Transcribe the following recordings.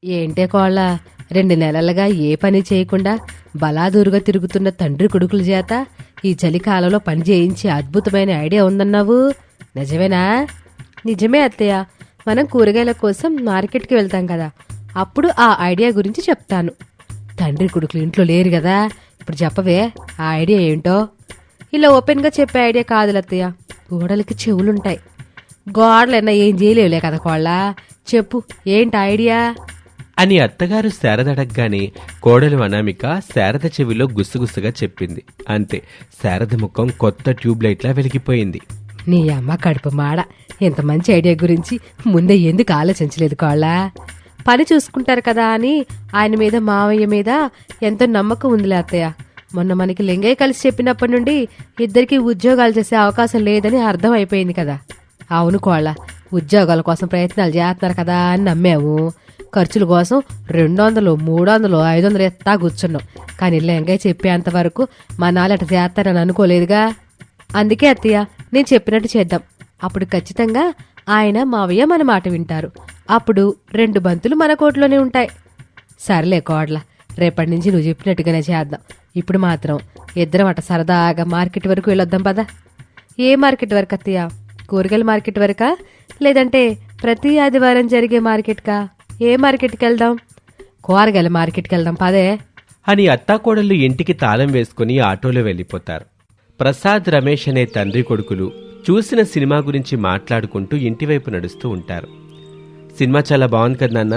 ఏంటే కోళ్ళ 2 నెలలుగా ఏ పని చేయకుండా బలాదూరుగా తిరుగుతున్న తండ్రి కొడుకుల చేత ఈ చలికాలంలో పని చేయించి అద్భుతమైన ఐడియా ఉందన్నావు, నిజమేనా? నిజమే అత్తయ్య, మనం కూరగాయల కోసం మార్కెట్కి వెళ్తాం కదా, అప్పుడు ఆ ఐడియా గురించి చెప్తాను. తండ్రి కొడుకులు ఇంట్లో లేరు కదా, ఇప్పుడు చెప్పవే ఆ ఐడియా ఏంటో. ఇలా ఓపెన్గా చెప్పే ఐడియా కాదు అత్తయ్య, గోడలకి చెవులుంటాయి. గోడలన్నా ఏం చేయలేవులే కదా కోళ్ళ, చెప్పు ఏంటి ఐడియా అని అత్తగారు శారద అడగగానే కోడలు అనామిక శారద చెవిలో గుస్సుగుస్సుగా చెప్పింది. అంతే, శారద ముఖం కొత్త ట్యూబ్లైట్లా వెలిగిపోయింది. నీ అమ్మ కడుపు మాడ, ఇంత మంచి ఐడియా గురించి ముందే ఎందుకు ఆలోచించలేదు కోళ్ళ? పని చూసుకుంటారు కదా అని ఆయన మీద మావయ్య మీద ఎంతో నమ్మకం ఉందిలే అత్తయ్య. మొన్న మనకి లింగయ్య కలిసి చెప్పినప్పటి నుండి ఇద్దరికి ఉద్యోగాలు చేసే అవకాశం లేదని అర్థం అయిపోయింది కదా. అవును కోళ్ళ, ఉద్యోగాల కోసం ప్రయత్నాలు చేస్తున్నారు కదా అని నమ్మాము. ఖర్చుల కోసం 200, 300, 500 ఎత్తా కూర్చున్నాం. కానీ లింగయ్య చెప్పేంత వరకు మా నాలట చేస్తారని అనుకోలేదుగా. అందుకే అత్తయ్య, నేను చెప్పినట్టు చేద్దాం. అప్పుడు ఖచ్చితంగా ఆయన మావయ్య మన మాట వింటారు. అప్పుడు 2 బంతులు మన కోట్లోనే ఉంటాయి. సర్లే కోడ్ల, రేపటి నుంచి నువ్వు చెప్పినట్టుగానే చేద్దాం. ఇప్పుడు మాత్రం ఇద్దరం అట సరదాగా మార్కెట్ వరకు వెళ్ళొద్దాం పదా. ఏ మార్కెట్ వరకు అత్తయ్య? కూరగాయల మార్కెట్ వరకా, లేదంటే ప్రతి ఆదివారం జరిగే మార్కెట్కా? ఏ మార్కెట్కి వెళ్దాం? కూరగాయల మార్కెట్కి వెళ్దాం పదే అని అత్తాకోడళ్ళు ఇంటికి తాళం వేసుకుని ఆటోలో వెళ్ళిపోతారు. ప్రసాద్, రమేష్ అనే తండ్రి కొడుకులు చూసిన సినిమా గురించి మాట్లాడుకుంటూ ఇంటివైపు నడుస్తూ ఉంటారు. సినిమా చాలా బాగుంది కదా నాన్న?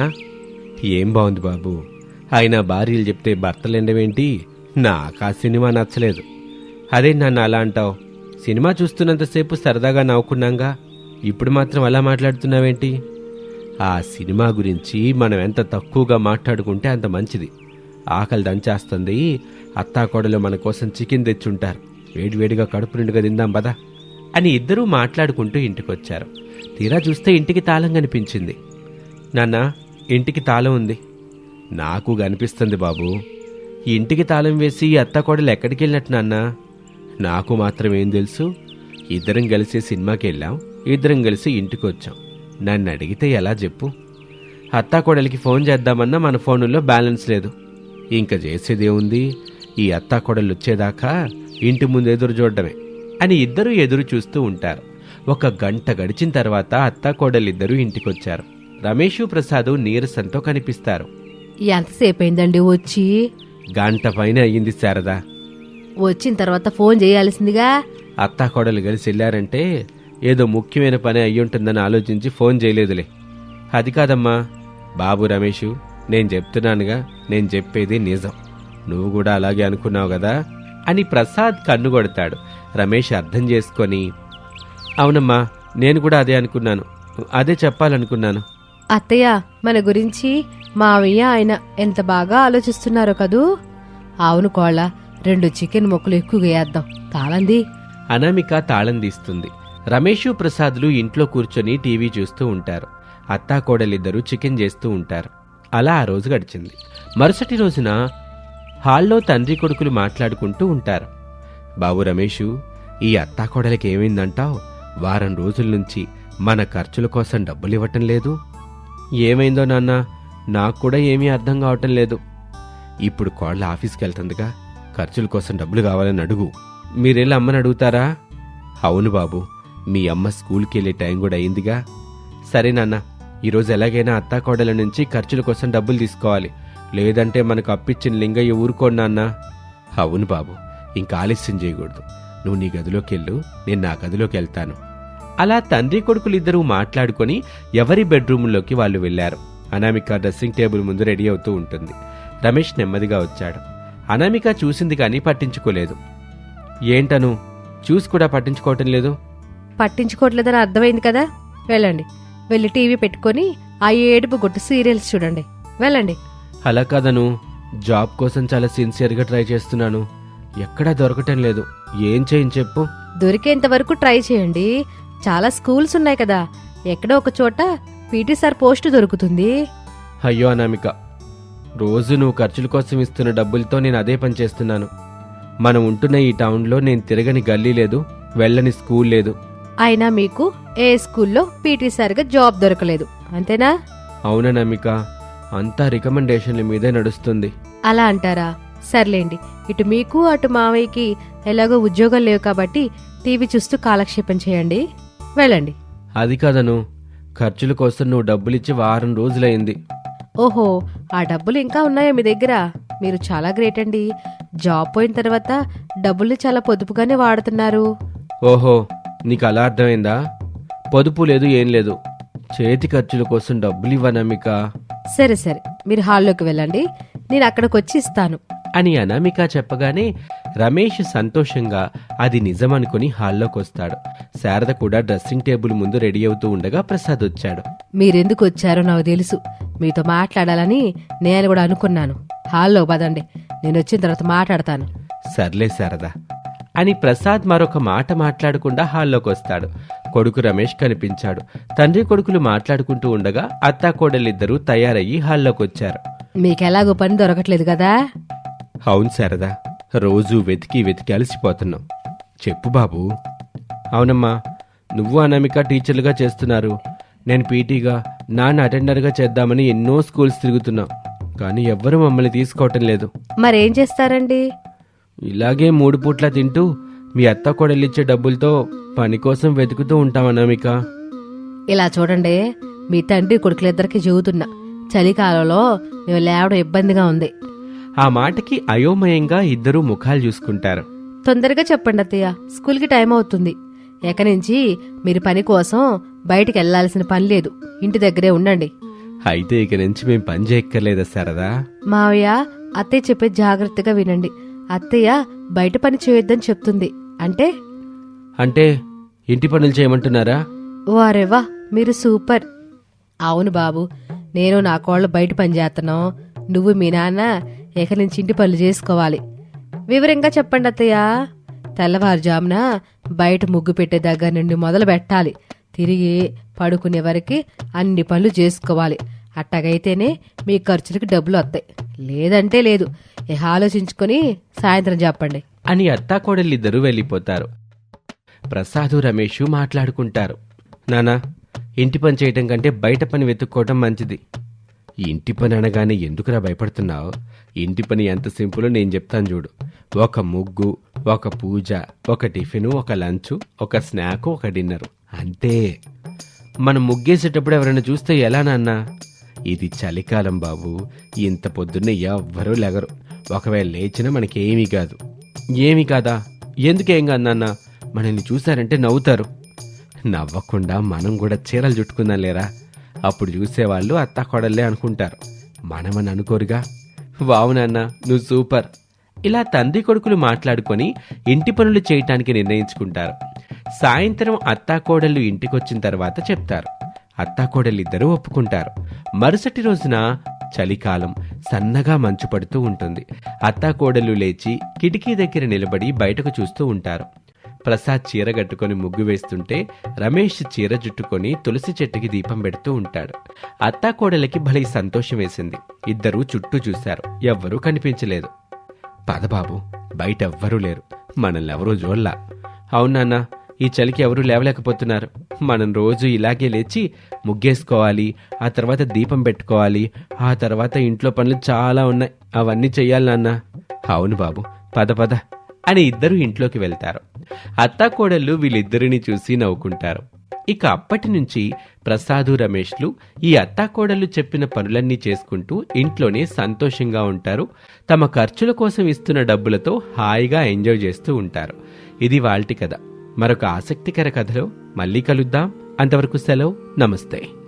ఏం బాగుంది బాబు, ఆయన భార్యలు చెప్తే భర్తలెండవేంటి? నాకు ఆ సినిమా నచ్చలేదు. అదే నాన్న అలా అంటావు? సినిమా చూస్తున్నంతసేపు సరదాగా నవ్వుకున్నాంగా, ఇప్పుడు మాత్రం అలా మాట్లాడుతున్నావేంటి? ఆ సినిమా గురించి మనం ఎంత తక్కువగా మాట్లాడుకుంటే అంత మంచిది. ఆకలి దంచేస్తుంది. అత్తాకోడలు మన కోసం చికెన్ తెచ్చుంటారు, వేడివేడిగా కడుపు నిండుగా తిందాం పదా అని ఇద్దరూ మాట్లాడుకుంటూ ఇంటికొచ్చారు. తీరా చూస్తే ఇంటికి తాళం కనిపించింది. నాన్న, ఇంటికి తాళం ఉంది. నాకు కనిపిస్తుంది బాబు. ఈ ఇంటికి తాళం వేసి అత్తాకోడలు ఎక్కడికి వెళ్ళినట్టు నాన్న? నాకు మాత్రం ఏం తెలుసు? ఇద్దరం కలిసి సినిమాకి వెళ్ళాం, ఇద్దరం కలిసి ఇంటికి వచ్చాం. నన్ను అడిగితే ఎలా చెప్పు? అత్తాకోడలికి ఫోన్ చేద్దామన్నా మన ఫోనుల్లో బ్యాలెన్స్ లేదు. ఇంకా చేసేదేముంది? ఈ అత్తాకోడలు వచ్చేదాకా ఇంటి ముందు ఎదురు చూడడమే అని ఇద్దరూ ఎదురు చూస్తూ ఉంటారు. 1 గంట గడిచిన తర్వాత అత్తాకోడలిద్దరూ ఇంటికొచ్చారు. రమేషు, ప్రసాదు నీరసంతో కనిపిస్తారు. ఎంతసేపు అయిందండి వచ్చి? గంట పైన అయ్యింది శారదా. వచ్చిన తర్వాత ఫోన్ చేయాల్సిందిగా. అత్తాకోడలు కలిసి వెళ్ళారంటే ఏదో ముఖ్యమైన పని అయ్యుంటుందని ఆలోచించి ఫోన్ చేయలేదులే. అది కాదమ్మా బాబు రమేషు, నేను చెప్తున్నానుగా, నేను చెప్పేది నిజం. నువ్వు కూడా అలాగే అనుకున్నావు కదా అని ప్రసాద్ కన్నుగొడతాడు. రమేష్ అర్థం చేసుకొని, అవునమ్మా, నేను కూడా అదే అనుకున్నాను, అదే చెప్పాలనుకున్నాను. అత్తయ్య, మన గురించి మావయ్య ఆయన ఎంత బాగా ఆలోచిస్తున్నారో కదూ. అవును కోళ్ళ, 2 చికెన్ ముక్కలు ఎక్కువగా వేద్దాం. తాళంది. అనామిక తాళం తీస్తుంది. రమేషు, ప్రసాద్లు ఇంట్లో కూర్చొని టీవీ చూస్తూ ఉంటారు. అత్తాకోడలిద్దరూ చికెన్ చేస్తూ ఉంటారు. అలా ఆ రోజు గడిచింది. మరుసటి రోజున హాల్లో తండ్రి కొడుకులు మాట్లాడుకుంటూ ఉంటారు. బాబు రమేషు, ఈ అత్తాకోడలికి ఏమైందంటావు? వారం రోజుల నుంచి మన ఖర్చుల కోసం డబ్బులివ్వటం లేదు. ఏమైందో నాన్న, నాకు కూడా ఏమీ అర్థం కావటం లేదు. ఇప్పుడు కోళ్ళ ఆఫీస్కి వెళ్తుందిగా, ఖర్చుల కోసం డబ్బులు కావాలని అడుగు. మీరెళ్ళి అమ్మని అడుగుతారా? అవును బాబు, మీ అమ్మ స్కూల్కి వెళ్ళే టైం కూడా అయిందిగా. సరే నాన్న, ఈరోజు ఎలాగైనా అత్తాకోడల నుంచి ఖర్చుల కోసం డబ్బులు తీసుకోవాలి, లేదంటే మనకు అప్పిచ్చిన లింగయ్య ఊరుకోండి నాన్న. అవును బాబు, ఇంకా ఆలస్యం చేయకూడదు. నువ్వు నీ గదిలోకి వెళ్ళు, నేను నా గదిలోకి వెళ్తాను. అలా తండ్రి కొడుకులిద్దరూ మాట్లాడుకొని ఎవరి బెడ్రూముల్లోకి వాళ్ళు వెళ్లారు. అనామిక డ్రెస్సింగ్ టేబుల్ ముందు రెడీ అవుతూ ఉంటుంది. రమేష్ నెమ్మదిగా వచ్చాడు. అనామిక చూసింది కానీ పట్టించుకోలేదు. ఏంటను చూసి కూడా పట్టించుకోవటం లేదు? పట్టించుకోవట్లేదని అర్థమైంది కదా, వెళ్ళండి. వెళ్ళి టీవీ పెట్టుకొని ఆ ఏడుపు గొట్టు సీరియల్స్ చూడండి, వెళ్ళండి. అలా కాదను, జాబ్ కోసం చాలా సిన్సియర్గా ట్రై చేస్తున్నాను, ఎక్కడా దొరకటం లేదు. ఏం చేయని చెప్పు. దొరికేంత వరకు ట్రై చేయండి. చాలా స్కూల్స్ ఉన్నాయి కదా, ఎక్కడో ఒక చోట పీటీ సార్ పోస్టు దొరుకుతుంది. అయ్యో అనామిక, రోజు నువ్వు ఖర్చుల కోసం ఇస్తున్న డబ్బులతో నేను అదే పని చేస్తున్నాను. మనం ఉంటున్న ఈ టౌన్లో నేను తిరగని గల్లీ లేదు, వెళ్ళని స్కూల్ లేదు. అయినా మీకు ఏ స్కూల్లో పీటీ సార్గా జాబ్ దొరకలేదు, అంతేనా? అవునా నమిక, అంతా రికమెండేషన్ల మీదే నడుస్తుంది. అలా అంటారా? సర్లేండి, ఇటు మీకు అటు మావయ్యకి ఎలాగో ఉద్యోగం లేవు కాబట్టి టీవీ చూస్తూ కాలక్షేపం చేయండి. వెళ్ళండి. అది కాదను, ఖర్చుల కోసం నువ్వు డబ్బులిచ్చి వారం రోజులైంది. ఓహో, ఆ డబ్బులు ఇంకా ఉన్నాయా మీ దగ్గర? మీరు చాలా గ్రేట్ అండి. జాబ్ పోయిన తర్వాత డబ్బుల్ని చాలా పొదుపుగానే వాడుతున్నారు. ఓహో, నీకు అలా అర్థమైందా? పొదుపు లేదు, ఏం లేదు. చేతి ఖర్చుల కోసం డబ్బులు ఇవ్వనమిక సరే సరే, మీరు హాల్లోకి వెళ్ళండి, నేను అక్కడికి వచ్చి ఇస్తాను అని అనామిక చెప్పగానే రమేష్ సంతోషంగా అది నిజమనుకుని హాల్లోకి వస్తాడు. శారద కూడా డ్రెస్సింగ్ టేబుల్ ముందు రెడీ అవుతూ ఉండగా ప్రసాద్ వచ్చాడు. మీరెందుకు వచ్చారో నాకు తెలుసు. మీతో మాట్లాడాలని నేను కూడా అనుకున్నాను. హాల్లో పదండి, నేను వచ్చిన తర్వాత మాట్లాడతాను. సర్లే శారద అని ప్రసాద్ మరొక మాట మాట్లాడకుండా హాల్లోకి వస్తాడు. కొడుకు రమేష్ కనిపించాడు. తండ్రి కొడుకులు మాట్లాడుకుంటూ ఉండగా అత్తాకోడలిద్దరూ తయారయ్యి హాల్లోకి వచ్చారు. మీకెలాగో పని దొరకట్లేదు కదా? అవును శారదా, రోజూ వెతికి వెతికి అలసిపోతున్నాం. చెప్పు బాబు. అవునమ్మా, నువ్వు అనామిక టీచర్లుగా చేస్తున్నారు. నేను పీటీగా, నాన్న అటెండర్గా చేద్దామని ఎన్నో స్కూల్స్ తిరుగుతున్నాం, కానీ ఎవ్వరూ మమ్మల్ని తీసుకోవటం లేదు. మరేం చేస్తారండి? ఇలాగే 3 పూట్లా తింటూ మీ అత్త కొడలిచ్చే డబ్బులతో పని కోసం వెతుకుతూ ఉంటాం అనామిక. ఇలా చూడండి, మీ తండ్రి కొడుకులిద్దరికి చెబుతున్నా, చలికాలంలో మేము లేవడం ఇబ్బందిగా ఉంది. ఆ మాటకి అయోమయంగా ఇద్దరూ ముఖాలు చూసుకుంటారు. తొందరగా చెప్పండి అత్తయ్య, స్కూల్కి టైం అవుతుంది. ఎక నుంచి మీరు పని కోసం బయటికి వెళ్లాల్సిన పని లేదు, ఇంటి దగ్గరే ఉండండి. అయితే ఇక నుంచి మేం పని చేయక్కర్లేదా శారదా? మావయ్య, అత్తయ్య చెప్పే జాగ్రత్తగా వినండి. అత్తయ్య బయట పని చేయొద్దని చెప్తుంది. అంటే అంటే ఇంటి పనులు చేయమంటున్నారా? వారేవా, మీరు సూపర్. అవును బాబు, నేను నా కోళ్ళు బయట పని చేస్తున్నాం. నువ్వు మీ నాన్న ఎక నుంచి ఇంటి పనులు చేసుకోవాలి. వివరంగా చెప్పండి అత్తయ్య. తెల్లవారుజామున బయట ముగ్గు పెట్టే దగ్గర నుండి మొదలు పెట్టాలి. తిరిగి పడుకునే వరకు అన్ని పనులు చేసుకోవాలి. అట్టగైతేనే మీ ఖర్చులకి డబ్బులు వస్తాయి. లేదంటే లేదు. ఇక ఆలోచించుకొని సాయంత్రం చెప్పండి అని అత్తాకోడలిద్దరూ వెళ్ళిపోతారు. ప్రసాదు రమేషు మాట్లాడుకుంటారు. నానా, ఇంటి పని చేయటం కంటే బయట పని వెతుక్కోవటం మంచిది. ఇంటి పని అనగానే ఎందుకురా భయపడుతున్నావు? ఇంటి పని ఎంత సింపులో నేను చెప్తాను చూడు. ఒక ముగ్గు, ఒక పూజ, ఒక టిఫిను, ఒక లంచు, ఒక స్నాకు, ఒక డిన్నరు, అంతే. మనం ముగ్గేసేటప్పుడు ఎవరైనా చూస్తే ఎలా నాన్నా? ఇది చలికాలం బాబు, ఇంత పొద్దున్నే ఎవ్వరూ లెగరు. ఒకవేళ లేచినా మనకేమీ కాదు. ఏమీ కాదా? ఎందుకేం కాదు నాన్న, మనల్ని చూశారంటే నవ్వుతారు. నవ్వకుండా మనం కూడా చీరలు చుట్టుకుందాం లేరా? అప్పుడు చూసేవాళ్ళు అత్తా కొడల్లే అనుకుంటారు, మనమని అనుకోరుగా. వావు నాన్న, నువ్వు సూపర్. ఇలా తండ్రి కొడుకులు మాట్లాడుకొని ఇంటి పనులు చేయటానికి నిర్ణయించుకుంటారు. సాయంత్రం అత్తాకోడళ్ళు ఇంటికొచ్చిన తర్వాత చెప్తారు. అత్తాకోడలిద్దరూ ఒప్పుకుంటారు. మరుసటి రోజున చలికాలం, సన్నగా మంచు పడుతూ ఉంటుంది. అత్తాకోడలు లేచి కిటికీ దగ్గర నిలబడి బయటకు చూస్తూ ఉంటారు. ప్రసాద్ చీర కట్టుకొని ముగ్గు వేస్తుంటే రమేష్ చీర జుట్టుకొని తులసి చెట్టుకి దీపం పెడుతూ ఉంటాడు. అత్తాకోడలకి భలే సంతోషం వేసింది. ఇద్దరూ చుట్టూ చూశారు, ఎవ్వరూ కనిపించలేదు. పదబాబు, బయట ఎవ్వరూ లేరు, మనల్ని ఎవరూ చూడలా. అవునాన్నా, ఈ చలికి ఎవరూ లేవలేకపోతున్నారు. మనం రోజు ఇలాగే లేచి ముగ్గేసుకోవాలి, ఆ తర్వాత దీపం పెట్టుకోవాలి, ఆ తర్వాత ఇంట్లో పనులు చాలా ఉన్నాయి, అవన్నీ చెయ్యాలి నాన్న. అవును బాబు, పద పద అని ఇద్దరు ఇంట్లోకి వెళ్తారు. అత్తాకోడళ్ళు వీళ్ళిద్దరిని చూసి నవ్వుకుంటారు. ఇక అప్పటి నుంచి ప్రసాదు, రమేష్లు ఈ అత్తాకోడళ్ళు చెప్పిన పనులన్నీ చేసుకుంటూ ఇంట్లోనే సంతోషంగా ఉంటారు. తమ ఖర్చుల కోసం ఇస్తున్న డబ్బులతో హాయిగా ఎంజాయ్ చేస్తూ ఉంటారు. ఇది వాల్టి కథ. మరొక ఆసక్తికర కథలో మళ్ళీ కలుద్దాం. అంతవరకు సెలవు. నమస్తే.